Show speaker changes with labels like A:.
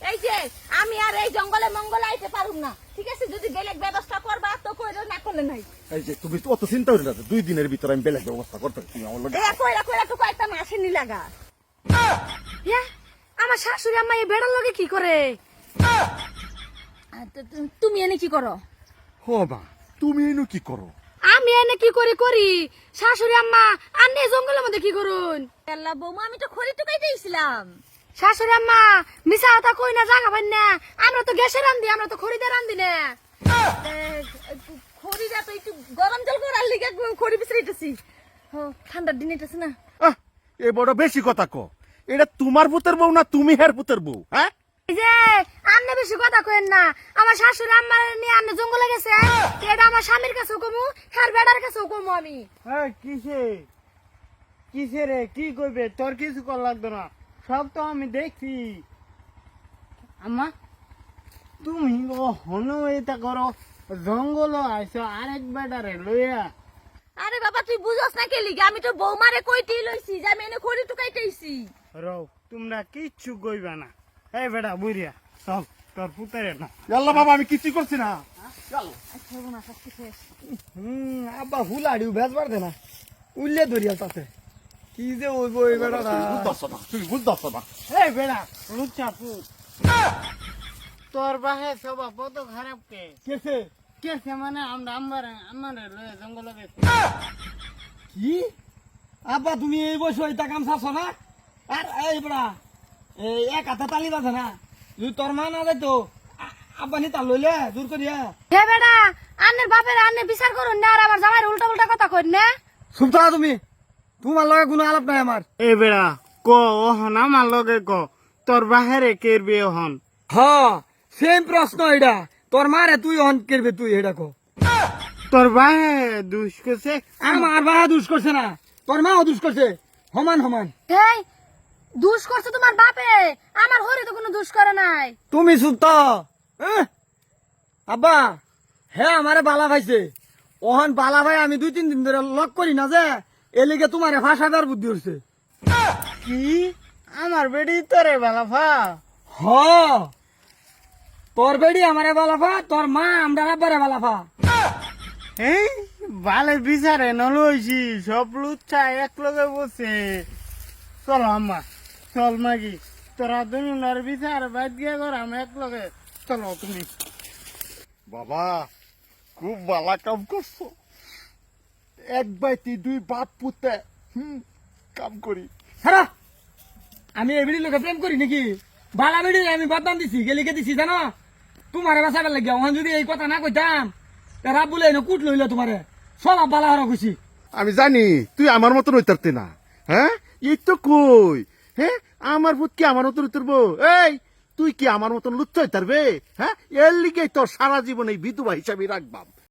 A: এই যে আমি আর এই জঙ্গলে মঙ্গলে আইতে পারুম না, ঠিক আছে? যদি বেলেগ ব্যবস্থা করবা তো কইরো, না করলে নাই।
B: এই যে তুমি তো অত চিন্তা করি না, 2 দিনের ভিতরে আমি বেলেগ ব্যবস্থা করতে পারি, তুমি আমার লগে
A: এ কইরা কইরা তো কয়েকটা মাসে নি লাগা।
C: ইয়া, আমার শাশুড়ি আম্মা এই বেড়ার লগে কি করে?
A: তুমি এনে কি করো?
B: হো মা, তুমি এনু কি করো?
C: আমি এনে কি করে করি? শাশুড়ি আম্মা আন্নে জঙ্গলের মধ্যে কি করুন?
A: আল্লাহ বৌমা, আমি তো খড়ি টুকাইতেছিলাম।
C: শাশুড়ি আম্মা মিছা কথা কই না, জাগা পাই না। আমরা তো গ্যাসে রান্ধি, আমরা তো খড়িতে রান্ধি না।
A: খড়িটা তো একটু গরম জল করার লিগে খড়ি বিছড়াইতেছি। ঠান্ডার দিন এটাছে না।
B: এ বড় বেশি কথা কো। এটা তোমার পুতের বউ না তুমি হের পুতের বউ? হ্যাঁ,
C: এই যে আন্নে বেশি কথা কইেন না। আমার শাশুড়ি আম্মা নিয়ে আন্নে জঙ্গলে গেছে, এটা আমার স্বামীর কাছেও কমু, হ্যার বেড়ার কাছেও কমু আমি।
D: কিসে রে, কি কইবে? তোর কিছু কর লাগতো না, সব তো আমি দেখছি। আম্মা, তুমি হন এটা করো, জঙ্গল আইসো আরেক বেটারে লইয়া।
A: আরে বাবা, তুই বুঝস না কে লিগে? আমি তো বৌমারে কইতেই লইছি যে আমি এনে খড়ি টুকাইতেছি।
D: রও, তোমরা কিচ্ছু কইবা না। এই বেটা বুড়িয়া, চল তোর পুতারে না।
B: আল্লাহ বাবা, আমি কিছু করছি না।
D: আব্বা হুলাড়ি ভেজবার দে না, উল্লে ধরিয়া তাতে কি যে ওইব ওই বেটা।
B: তুমি বুঝতেছ না।
D: এই বেড়া লুচ্চা পুত, তোর বাহে সবা কত খারাপ কে
B: কেসে
D: কেসে মানে আমরা আমার লয়ে জঙ্গল গেছি।
E: কি আব্বা তুমি এই বয়সে এটা কাম চাচ্ছ না? আর এই বড়া এই এক হাতে তালি বাজে না, যদি তোর মা না যাইতো আব্বা নি তার লইলে জোর করিয়া।
C: হে বেড়া, আন্নের বাপের আন্নে বিচার করুন না, আর আমার জামাইয়ের উল্টা উল্টা কথা কইন না।
E: চুপ থাকা তুমি, তোমার লগে কোনো আলাপ নাই আমার।
D: এই বেড়া ক ওহন আমার লগে ক, তোর বাহেরে কেরবি ওহন?
E: হ, সেম প্রশ্ন এটা, তোর মারে তুই অন করবে, তুই এটা কো।
D: তোর বাহে দুষ করছে?
E: আমার বাবা দুষ করছে না, তোর মাও দুষ করছে, সমান সমান।
C: হেই, দুষ করছে তোমার বাপে, আমার হরি তো কোনো দুষ করে নাই।
E: তুমি চুপ তো। আব্বা হ্যাঁ আমারে বালা ভাইছে, ওহন বালা ভাই আমি 2-3 দিন ধরে লক করি না যে, এলিগে তোমারে ভাষাদার বুদ্ধি হচ্ছে।
D: কি আমার বেড়ি তোরে বালাফা?
E: হ, তোর বেড়ি আমারে বালাফা, তোর মা আমরা আব্বারে বালাফা।
D: এই বালে বিচারে নলইছি, সব লুচ্ছা এক লগে বসে। চল আম্মা, চল মাগি, তোরা দুনুনার বিচার বাদ গিয়া কর, আমি এক লগে। চলো তুমি।
B: বাবা, খুব ভালো কাম করছো। 1 বাইতে 2 বাপ পুতে কাম করি।
E: হ্যাঁ, আমি এই বেড়ির লোকে প্রেম করি নাকি? বালা বেড়ি আমি বদনাম দিছি, গেলিকে দিছি জানো, তোমারে বাঁচাবার লাগিয়া। ওখান যদি এই কথা না কইতাম, রাব বলে কুট লইলে তোমারে সব বালা হারা খুশি।
B: আমি জানি তুই আমার মতন হইতারতে না। হ্যাঁ, এই তো কই। হ্যাঁ, আমার পুত কি আমার মতন উতরবো? এই তুই কি আমার মতন লুচ্চ হইতারবে? হ্যাঁ, এর লিগে তোর সারা জীবন এই বিধবা হিসাবে রাখবাম।